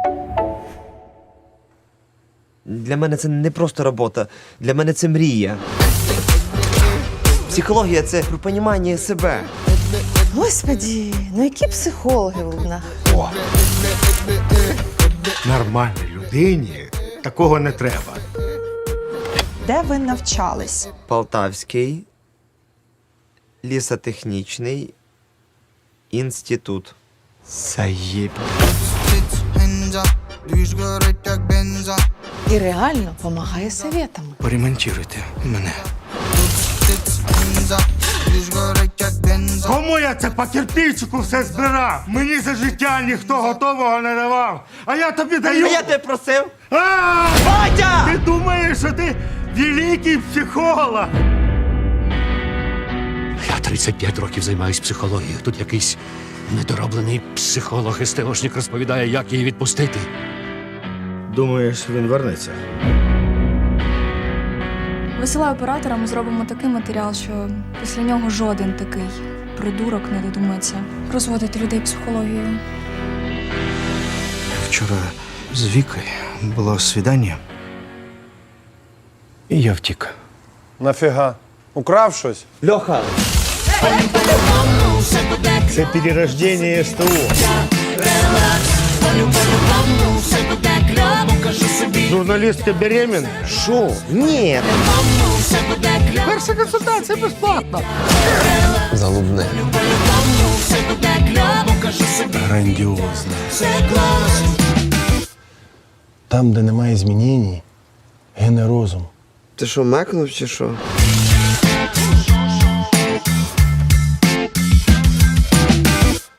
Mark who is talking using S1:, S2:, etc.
S1: Для мене це не просто робота, для мене це мрія. Психологія – це про понімання себе.
S2: Господі, ну які психологи в нас?
S3: О! Нормальній людині такого не треба.
S4: Де ви навчались?
S1: Полтавський лісотехнічний інститут.
S3: Заєб.
S2: І реально допомагає советами.
S3: Поремонтуйте мене. Кому я це по кирпичику все збирав? Мені за життя ніхто готового не давав. А я тобі даю.
S1: А я тебе просив!
S3: А!
S1: Батя!
S3: Ти думаєш, що ти великий психолог?
S5: Я 35 років займаюсь психологією. Тут якийсь недороблений психолог СТОшник розповідає, як її відпустити.
S3: Думаєш, він вернеться?
S6: Висилаю оператора, ми зробимо такий матеріал, що після нього жоден такий придурок не додумається розводити людей психологією.
S3: Вчора з Вікою було свідання. І я втік.
S7: Нафіга? Украв щось?
S1: Льоха!
S3: Це перерождення СТО. Журналістка беременна?
S1: Шо? Ні!
S3: Перша консультація безплатна.
S8: Залубне.
S7: Грандіозно.
S8: Там, де немає змінень, гине розум.
S1: Ти що, мекнув чи що?